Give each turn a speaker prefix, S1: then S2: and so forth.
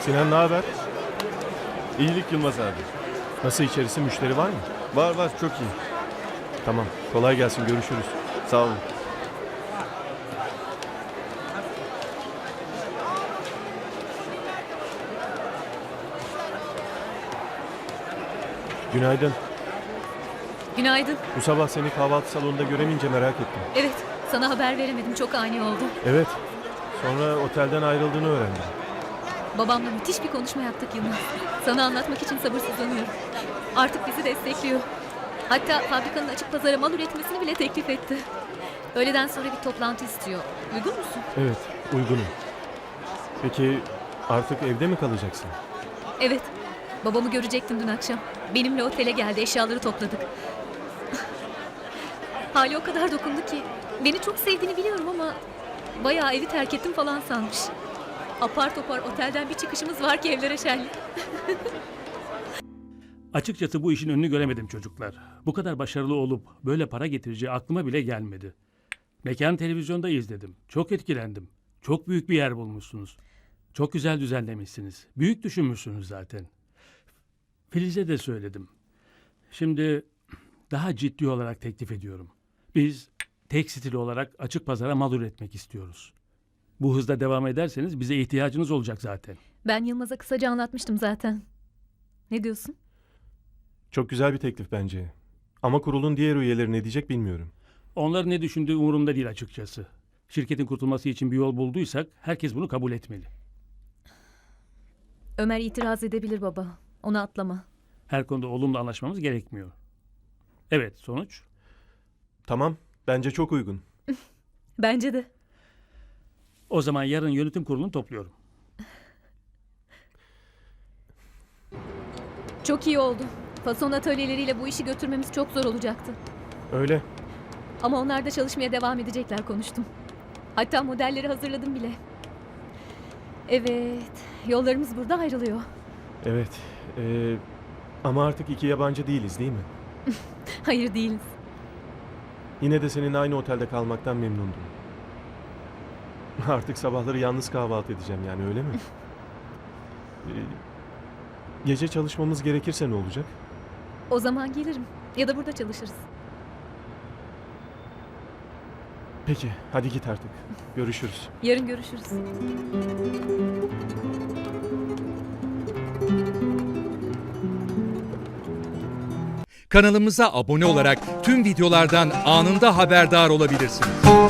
S1: Sinan ne haber?
S2: İyilik Yılmaz abi.
S1: Nasıl içerisi, müşteri var mı?
S2: Var çok iyi.
S1: Tamam, kolay gelsin, görüşürüz.
S2: Sağ olun.
S1: Günaydın.
S3: Günaydın.
S1: Bu sabah seni kahvaltı salonunda göremeyince merak ettim.
S3: Evet, sana haber veremedim. Çok ani oldu.
S1: Evet, sonra otelden ayrıldığını öğrendim.
S3: Babamla müthiş bir konuşma yaptık Yılmaz. Sana anlatmak için sabırsızlanıyorum. Artık bizi destekliyor. Hatta fabrikanın açık pazara mal üretmesini bile teklif etti. Öğleden sonra bir toplantı istiyor. Uygun musun?
S1: Evet, uygunum. Peki artık evde mi kalacaksın?
S3: Evet. Babamı görecektim dün akşam. Benimle otele geldi, eşyaları topladık. Hali o kadar dokundu ki. Beni çok sevdiğini biliyorum ama bayağı evi terk ettim falan sanmış. Apar topar otelden bir çıkışımız var ki evlere şenlik.
S4: Açıkçası bu işin önünü göremedim çocuklar. Bu kadar başarılı olup böyle para getireceği aklıma bile gelmedi. Mekan televizyonda izledim. Çok etkilendim. Çok büyük bir yer bulmuşsunuz. Çok güzel düzenlemişsiniz. Büyük düşünmüşsünüz zaten. Filiz'e de söyledim. Şimdi daha ciddi olarak teklif ediyorum. Biz tekstil olarak açık pazara mal üretmek istiyoruz. Bu hızla devam ederseniz bize ihtiyacınız olacak zaten.
S3: Ben Yılmaz'a kısaca anlatmıştım zaten. Ne diyorsun?
S1: Çok güzel bir teklif bence. Ama kurulun diğer üyeleri ne diyecek bilmiyorum.
S4: Onların ne düşündüğü umurumda değil açıkçası. Şirketin kurtulması için bir yol bulduysak herkes bunu kabul etmeli.
S3: Ömer itiraz edebilir baba. Onu atlama.
S4: Her konuda olumlu anlaşmamız gerekmiyor. Evet, sonuç?
S1: Tamam, bence çok uygun.
S3: Bence de.
S4: O zaman yarın yönetim kurulunu topluyorum.
S3: Çok iyi oldu. Fason atölyeleriyle bu işi götürmemiz çok zor olacaktı.
S1: Öyle.
S3: Ama onlar da çalışmaya devam edecekler konuştum. Hatta modelleri hazırladım bile. Evet, yollarımız burada ayrılıyor.
S1: Evet. Ama artık iki yabancı değiliz değil mi?
S3: Hayır değiliz.
S1: Yine de senin aynı otelde kalmaktan memnundum. Artık sabahları yalnız kahvaltı edeceğim yani, öyle mi? Gece çalışmamız gerekirse ne olacak?
S3: O zaman gelirim. Ya da burada çalışırız.
S1: Peki, hadi git artık. Görüşürüz.
S3: Yarın görüşürüz.
S5: Kanalımıza abone olarak tüm videolardan anında haberdar olabilirsiniz.